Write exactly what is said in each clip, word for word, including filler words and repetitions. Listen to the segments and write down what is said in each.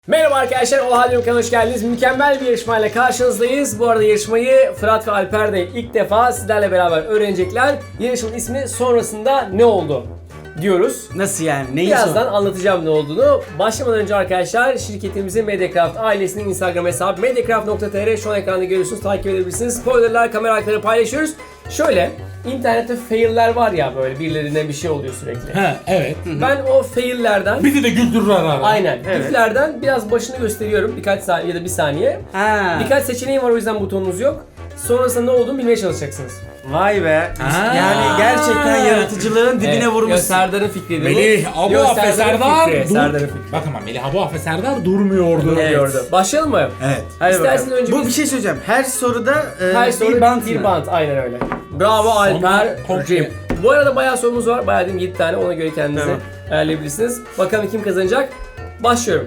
Merhaba arkadaşlar, Oha Diyorum kanalına hoş geldiniz. Mükemmel bir yarışmayla karşınızdayız. Bu arada yarışmayı Fırat ve Alper de ilk defa sizlerle beraber öğrenecekler. Yarışmanın ismi sonrasında ne oldu diyoruz. Nasıl yani? Neyi Birazdan sor? anlatacağım ne olduğunu. Başlamadan önce arkadaşlar şirketimizin Mediacraft ailesinin Instagram hesabı mediacraft nokta tr şu an ekranda görüyorsunuz, takip edebilirsiniz. Spoilerlar, kamera arkaları paylaşıyoruz. Şöyle, internette failler var ya, böyle birilerine bir şey oluyor sürekli. Ha evet. Ben o faillerden Bizi de güldürürler abi. aynen. Evet. Giflerden biraz başını gösteriyorum birkaç saniye ya da bir saniye. Ha. Birkaç seçeneğim var, o yüzden butonunuz yok. Sonrasında ne olduğunu bilmeye çalışacaksınız. Vay be. Ha. Yani gerçekten yaratıcılığın dibine Evet, vurmuşsun. Serdar'ın fikriydi bu. Melih, Abu Yok, Afe Serdar'ın Serdar fikri, dur. Serdar'ın fikri. Bak ama Melih, Abu Afe Serdar durmuyordu. Evet. Diyordu. Başlayalım mı? Evet. Hadi İsterseniz bakalım. önce Bu biz- bir şey söyleyeceğim. Her soruda e, Her soru bir bant bir mı? bant, aynen öyle. Bravo Sonra Alper. komple- Cem. Bu arada bayağı sorumuz var. Bayağı diyeyim yedi tane, ona göre kendinize Tamam. ayarlayabilirsiniz. Bakalım kim kazanacak? Başlıyorum.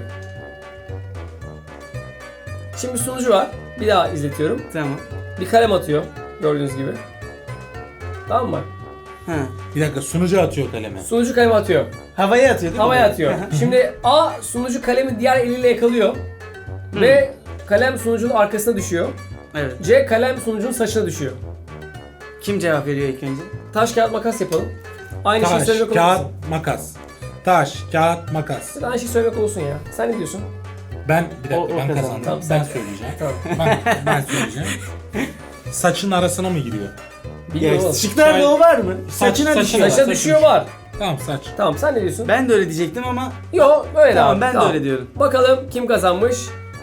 Şimdi sunucu var. Bir daha izletiyorum. Tamam. Bir kalem atıyor gördüğünüz gibi. Tamam mı? Ha. Bir dakika, sunucu atıyor kalemi. Sunucu kalemi atıyor. Havaya atıyor değil mi? Havaya atıyor. Şimdi A sunucu kalemi diğer eliyle yakalıyor. Ve kalem sunucunun arkasına düşüyor. Evet. C kalem sunucunun saçına düşüyor. Kim cevap veriyor ilk önce? Taş kağıt makas yapalım. Aynı şeyi Taş, söylemek olsun. kağıt, makas. Taş, kağıt, makas. Aynı şeyi söylemek olsun ya. Sen ne diyorsun? Ben bir dakika O- o ben kazandı. kazandım. Tamam, ben sen- söyleyeceğim. Tamam. ben, ben söyleyeceğim. Saçın arasına mı giriyor? Bilmiyorum oğlum. Şıklarda o var mı? Saçına saçına- düşüyor. Saça Saçı düşüyor düşüyor. var. Tamam, saç. Tamam, sen ne diyorsun? Ben de öyle diyecektim ama Yok öyle Tamam, abi. ben de öyle diyorum. Bakalım kim kazanmış?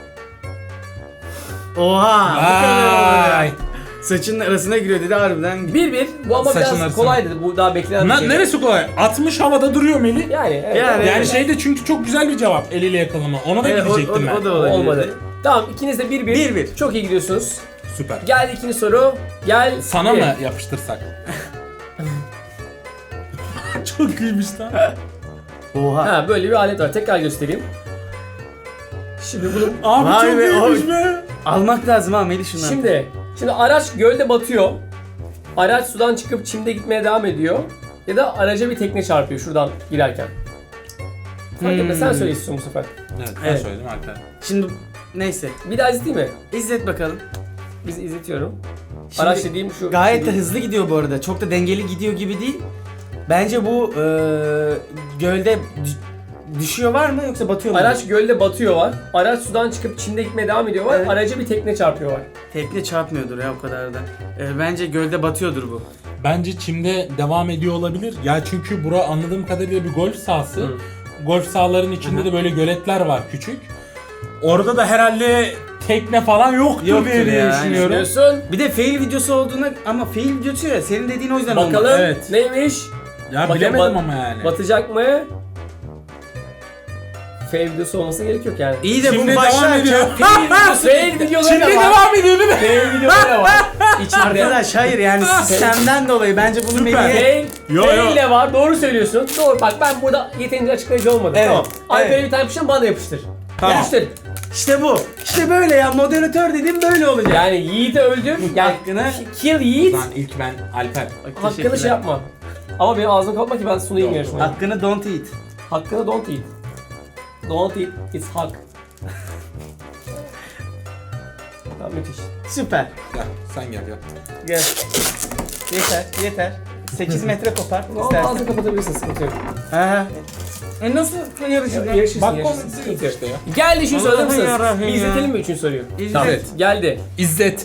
oha. Bu kadar. Ay. Saçının arasına giriyor dedi harbiden. bir bir. Bu ama Saçın biraz arasına. kolaydı. Bu daha beklenen bir Na, şey. neresi kolay? atmış havada duruyor Melih. Yani evet. Yani- evet. Yani şeyde, çünkü çok güzel bir cevap eliyle yakalama. Ona da Evet, o, gidecektim o, ben. o da olabilir. Olmadı. Tamam, ikiniz de bir bir. Bir bir. Çok iyi gidiyorsunuz. Süper. Geldi ikinci soru. Gel. Sana bir. mı yapıştırsak? Çok iyiymiş lan. Oha. Ha, böyle bir alet var. Tekrar göstereyim. Şimdi bunu Abi Vay çok be, iyiymiş oy. be. Almak lazım ha Melih şundan. Şimdi, şimdi araç gölde batıyor. Araç sudan çıkıp çimde gitmeye devam ediyor. Ya da araca bir tekne çarpıyor şuradan girerken. Fark etmez, sen söyle istiyorsun bu sefer. Evet, ben Evet. söyledim Alper. Şimdi neyse. Bir daha izleteyim mi? İzlet bakalım. Biz izletiyorum. Şimdi Araç dediğim şu. Gayet de şu- hızlı gidiyor bu arada. Çok da dengeli gidiyor gibi değil. Bence bu eee gölde dü- düşüyor var mı yoksa batıyor mu? Araç gölde batıyor var. Araç sudan çıkıp çimde gitmeye devam ediyor var. Evet. Araca bir tekne çarpıyor var. Tekne çarpmıyordur ya o kadar da. Eee, bence gölde batıyordur bu. Bence çimde devam ediyor olabilir. Ya çünkü bura anladığım kadarıyla bir golf sahası. Hı. Golf sahalarının içinde de böyle göletler var küçük. Orada da herhalde tekne falan yoktur, Yoktur diye ya, düşünüyorum. Düşünüyorsun. Bir de fail videosu olduğuna ama fail videosu ya senin dediğin o yüzden Bakalım olmaz. Evet. neymiş? Ya Bakın, bilemedim bat- ama yani. Batacak mı? Fail videosu olması gerek yok yani. İyi de Şimdi bu devam başlar. ediyor. Fail videosu, fail videoları Şimdi da var. devam ediyor değil mi? Fail videoları da var. İçinde. Arkadaş hayır yani sistemden dolayı bence bunu Süper. Melih'e... Fail, Yo, fail yo. de var. Doğru söylüyorsun. Doğru. Bak ben burada yeterince açıklayıcı olmadım. Evet, Tamam. Alper'e evet. bir tane yapıştır, bana da yapıştır. Tamam. Yapıştır. İşte bu. İşte böyle ya moderatör dediğim böyle olacak. Yani Yiğit'i öldür. Yani Hakkını- kill Yiğit. Lan ilk ben Alper. Bak, Hakkını teşekkürler. şey yapma. Ama benim ağzımı kapatma ki ben sunayım Yok. yarışmayı. Hakkını don't eat. Hakkını don't eat. Don't eat, it's hak. Tamam, müthiş. Süper. Gel sen gel gel. Gel. Yeter, yeter. sekiz metre kopar Ama istersen. ağzını kapatabilirsin, sıkıntı yok. Ha. E nasıl yarışır lan? Yarışırsın, Bak yarışırsın, komik sıkıntı yok. işte ya. Geldi üçüncü soru, hazır mısınız? Allah'ım Bir ya. izletelim mi üçüncü soruyu? İzlet. Tamam. Geldi. İzzet.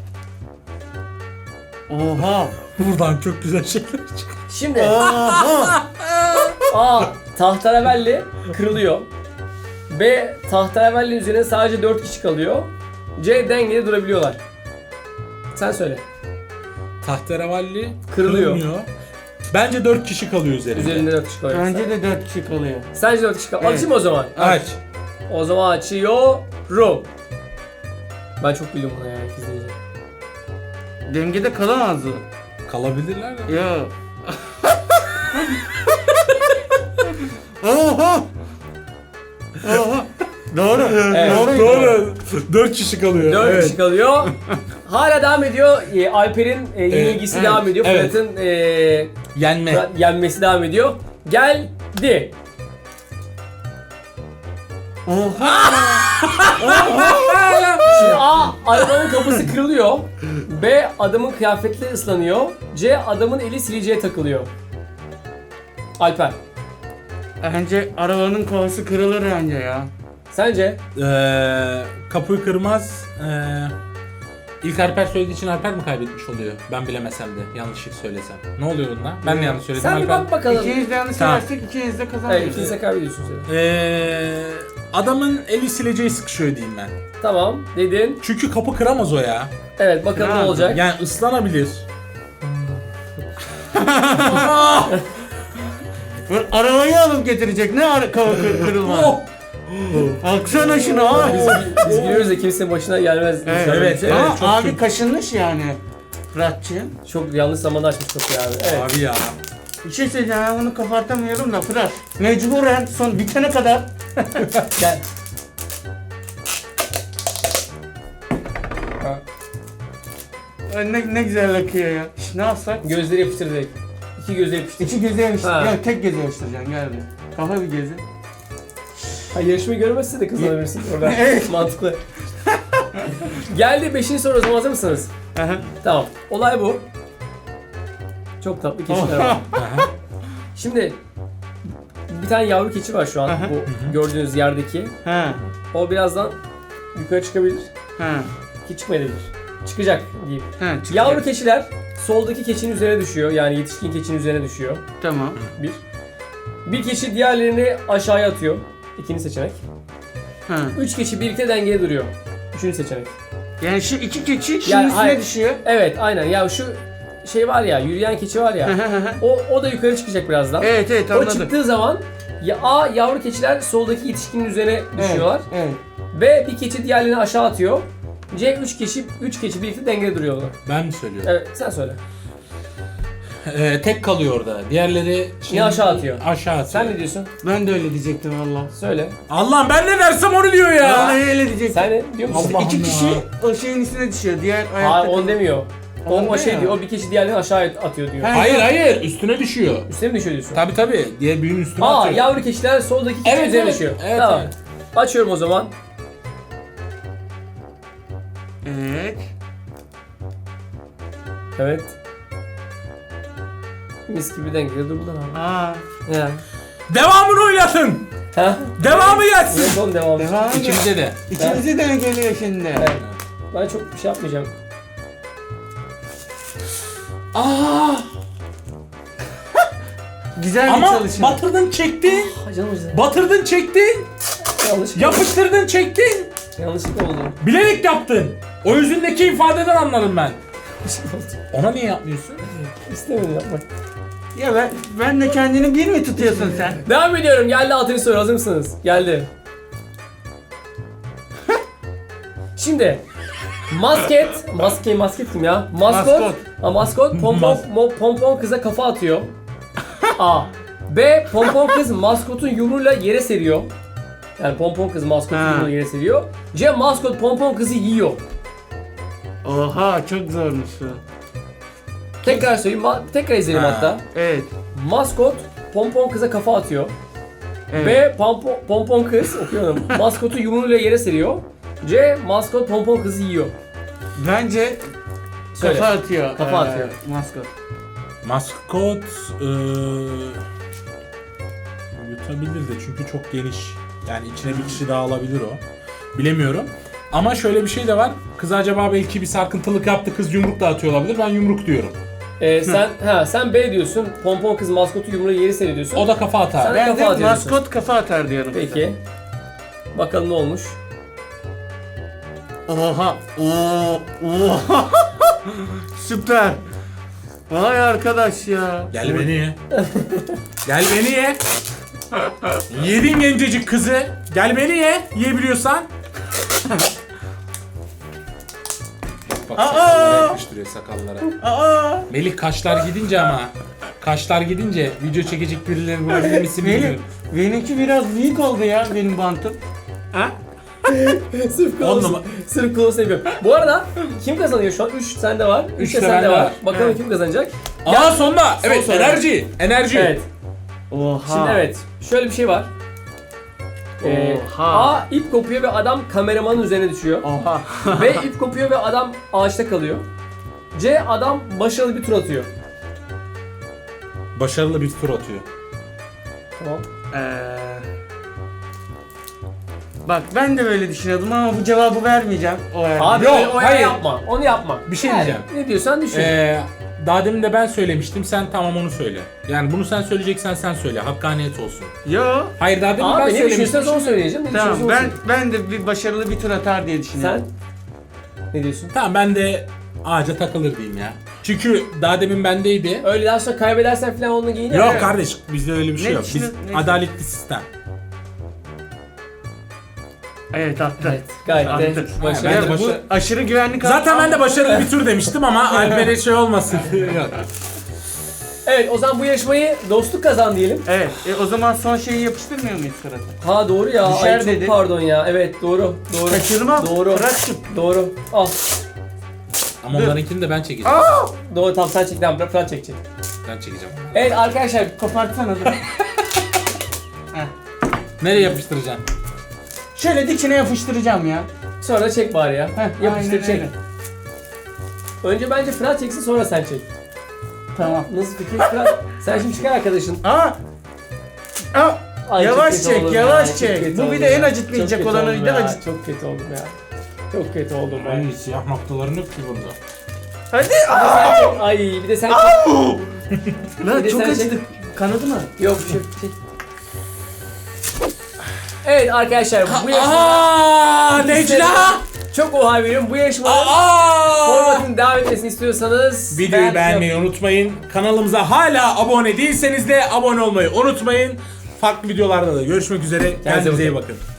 Oha. Buradan çok güzel şeyler çıkıyor. Şimdi Oha. A. Tahterevalli kırılıyor. B. Tahterevalli üzerine sadece dört kişi kalıyor. C. Dengede durabiliyorlar. Sen söyle. Tahterevalli Kırılıyor. kırılmıyor. Bence dört kişi kalıyor üzerinde. Üzerinde dört kişi kalıyor. Bence de dört kişi kalıyor. Sence dört kişi kalıyor. Evet. Açayım o zaman. Aç. O zaman açıyorum. Ben çok bildim bunu ya izleyince. Dengede kalamaz o. Kalabilirler ya. Ya. Oha. Oha. Doğru. Evet. Doğru. Doğru. Dört kişi kalıyor. Dört evet. kişi kalıyor. Hala devam ediyor. E, Alper'in e, yenilgisi evet, devam ediyor. evet. Fırat'ın e, Yenme. Fırat yenmesi devam ediyor. Geldi. Oha! Şimdi A. Arabanın kapısı kırılıyor. B. Adamın kıyafetleri ıslanıyor. C. Adamın eli sileceğe takılıyor. Alper. Bence arabanın kafası kırılır bence ya. Sence? Ee, kapıyı kırmaz. Ee, ilk Alper söylediği için Alper mi kaybetmiş oluyor? Ben bilemesem de yanlışlık söylesem. Ne oluyor bunda? Ben de yanlış söyledim. Sen bir Alper. bak bakalım. İkiniz de yanlış Tamam. söylersek ikiniz de Evet, kazanıyoruz. ikiniz de kaybediyorsunuz. Evet. Ee, adamın eli sileceği sıkışıyor diyeyim ben. Tamam dedin. Çünkü kapı kıramaz o ya. Evet bakalım ne Kırar. olacak. Yani ıslanabilir. Böyle arabayı alıp getirecek. Ne ara kafa kır- kırılmaz. Oh! Baksana şuna ha. Biz, biz biliyoruz da kimsenin başına gelmez. Evet, inşallah evet, bir şey. evet. Ama çok abi kötü. kaşınmış yani. Fıratçı. Çok yanlış zamanda açmış kapıyı abi. Evet. Abi ya. Bir şey söyleyeceğim, ben bunu kapatamıyorum da Fırat. Mecburen son bitene kadar. Gel. Ay, ne, ne güzel akıyor ya. Şş, ne yapsak? Gözleri yapıştır direkt. İki gözü yapıştır. İki göze yapıştır. Ha. Gel tek göze yapıştıracaksın gel bir. Kafa bir göze. Ha, yarışmayı görmezse de kazanabilirsin orada. Evet. Mantıklı. Geldi beşinci soru, o zaman hazır mısınız? Aha. Tamam. Olay bu. Çok tatlı keçiler var. Aha. Şimdi bir tane yavru keçi var şu an Aha. bu gördüğünüz yerdeki. Ha. O birazdan yukarı çıkabilir Ha. ki çıkmayabilir. Çıkacak diyeyim. Ha. çıkacak. Yavru keçiler soldaki keçinin üzerine düşüyor. Yani yetişkin keçinin üzerine düşüyor. Tamam. Bir. Bir keçi diğerlerini aşağıya atıyor. İkinci seçenek. Ha. Üç keçi birlikte dengeye duruyor. Üçüncü seçenek. Yani şu iki keçi şunun Yani üstüne hayır. düşüyor. Evet aynen. Ya şu şey var ya, yürüyen keçi var ya. o o da yukarı çıkacak birazdan. Evet evet O anladım. çıktığı zaman ya A yavru keçiler soldaki yetişkinin üzerine düşüyorlar. Evet. B bir keçi diğerlerini aşağı atıyor. C üç keçi üç keçi birlikte dengede duruyorlar. Ben mi söylüyorum? Evet sen söyle. Ee, tek kalıyor orada. Diğerleri Niye aşağı atıyor? Aşağı atıyor. Sen ne diyorsun? Ben de öyle diyecektim valla. Söyle. Allah'ım ben ne dersem onu diyor ya. Vallahi öyle diyecektim. Sen ne diyor musun? Allah'ım İki ya. kişi o şeyin üstüne düşüyor. Diğer Hayır ayakta. onu demiyor. O, Onu o şey demiyor. diyor, o bir keçi diğerlerini aşağı atıyor diyor. Ha. Hayır hayır üstüne düşüyor. Üstüne mi düşüyor diyorsun? Tabi tabi. Diğer büyüğün üstüne Aa atıyor. yavru keçiler soldaki keçi Evet, üzerine evet, düşüyor. evet, tamam. evet. Açıyorum o zaman. Evet. Evet. Mis gibi dengede durdular abi. Aa. Ya. Devamını oynatın. Ha? Devamı gelsin. Evet oğlum devam. Devam edelim. İkimize de. İkimize de geliyor şimdi. Evet. Ben çok bir şey yapmayacağım. Aa. Güzel bir Ama çalışma. batırdın çektin. Ha, canım acıdı. Batırdın çektin. Yanlışlıkla, Yapıştırdın çektin. yanlışlıkla oldu. Bilerek yaptın. O yüzündeki ifadeden anladım ben. Yanlışlıkla oldu. Ona niye yapmıyorsun? İstemedim yapmak. Ya ben, ben de kendini bir mi tutuyorsun sen? Devam ediyorum. Geldi altıncı soru. Hazır mısınız? Geldi. Şimdi masket, maske masket kim ya? Maskot. Maskot. Ha, maskot pompon Mas- mo- pompon kıza kafa atıyor. A. B. Pompon kız maskotun yumruğuyla yere seriyor. Yani pompon kız maskotun Ha. yumruğuyla yere seriyor. C. Maskot pompon kızı yiyor. Oha çok zormuş bu. Tekrar söyleyeyim, ma- tekrar izleyelim Ha. hatta. Evet. Maskot pompon kıza kafa atıyor. Evet. B. Pompon, pompon kız okuyorum. Maskotu yumruğuyla yere seriyor. C. Maskot pompon kızı yiyor. Bence Söyle. kafa atıyor. Kafa ee, atıyor. Maskot. Maskot eee yutabilir de çünkü çok geniş. Yani içine bir kişi daha alabilir o. Bilemiyorum. Ama şöyle bir şey de var. Kız acaba belki bir sarkıntılık yaptı, kız yumruk da atıyor olabilir. Ben yumruk diyorum. Ee, sen ha sen B diyorsun. Pompon kız maskotu yumruğuyla yere seriyor diyorsun. O da kafa atar. Sen- Ben kafa de atıyorsun. maskot kafa atar diyorum. Peki. Bakalım ne olmuş. Oha. Oo. Oha. Süper. Vay arkadaş ya. Gel beni ye. Gel beni ye. Yedin gencecik kızı. Gel beni ye. Yiyebiliyorsan. Bak Aa! sakallara yapıştırıyor sakallara. Aa. Melih kaşlar gidince ama. Kaşlar gidince video çekecek birileri bulabilir misin Benim, bilmiyorum. benimki biraz büyük oldu ya benim bantım. Ha? Sırf On close, numara- sırf close yapıyorum. Bu arada kim kazanıyor şu an? üç sende var. üç Üç de de sende bende var. var. Bakalım Evet. kim kazanacak? Aa sonda. Evet soru. enerji. Enerji. Evet. Oha. Şimdi evet. Şöyle bir şey var. Ee, Oha. A. ip kopuyor ve adam kameramanın üzerine düşüyor. Oha. B. ip kopuyor ve adam ağaçta kalıyor. C. Adam başarılı bir tur atıyor. Başarılı bir tur atıyor. Tamam. Ee, bak ben de böyle düşünüyordum ama bu cevabı vermeyeceğim. O yani. Abi Yok, öyle- o hayır. yapma. Onu yapma. Bir şey Yani diyeceğim. Ne diyorsan düşün. Ee, daha demin de ben söylemiştim. Sen tamam onu söyle. Yani bunu sen söyleyeceksen sen söyle. Hakkaniyet olsun. Yo. Hayır daha demin ben Abi ne söylemiştim. düşünüyorsanız onu söyleyeceğim. Ne Tamam düşünüyorsan ben onu ben de bir başarılı bir tur atar diye söyle. düşünüyorum. Sen ne diyorsun? Tamam ben de ağaca takılır diyeyim ya. Çünkü daha demin bendeydi. Öyle daha sonra kaybedersen falan onu giyin. Yok Evet. kardeş bizde öyle bir şey Ne yok. Biz düşünün- ne- adaletli sistem. Evet attı. Evet, gayet de Attı. başarılı. Ben de bu başa- aşırı güvenlik Zaten alanı- ben de başarılı bir tur demiştim ama Alper'e şey olmasın. Yok. Evet, o zaman bu yarışmayı dostluk kazan diyelim. Evet. E, o zaman son şeyi yapıştırmıyor muyuz surata? Ha doğru ya. Düşer Ay, çok dedi. pardon ya. Evet doğru. Doğru. Kaçırma. Doğru. Fırat'cığım. Doğru. Al. Ama onlarınkini de ben çekeceğim. Aa! Doğru tamam sen çek. Tamam Fırat çekecek. Ben çekeceğim. Evet arkadaşlar. Kopartsana dur. Heh. Nereye yapıştıracağım? Şöyle dikine yapıştıracağım ya. Sonra da çek bari ya. Heh, Yapıştır aynen çek. öyle. Önce bence Fırat çeksin sonra sen çek. Tamam. Nasıl fikir Fırat? Sen şimdi çıkar arkadaşın. Aa! Aa! Ay, çok Yavaş kötü çek, oldum yavaş ya, çok çek. kötü Bu bir oldum de en ya. acıtmayacak Çok kötü olanı oldum da ya, acıt. Çok kötü oldum ya. Çok kötü oldum ben. Ay siyah noktaların yok ki burada. Hadi. Bir de sen çek. Ay bir de sen çek. Lan Bir de çok sen acıdı. Kanadı mı? Yok bir şey. çek. Evet arkadaşlar bu yarışmada Aaa Necla! çok oha veriyorum. Bu yarışmanın Aa! formatının devam etmesini istiyorsanız Videoyu ben- beğenmeyi unutmayın. Kanalımıza hala abone değilseniz de abone olmayı unutmayın. Farklı videolarda da görüşmek üzere. Kendinize iyi bakın.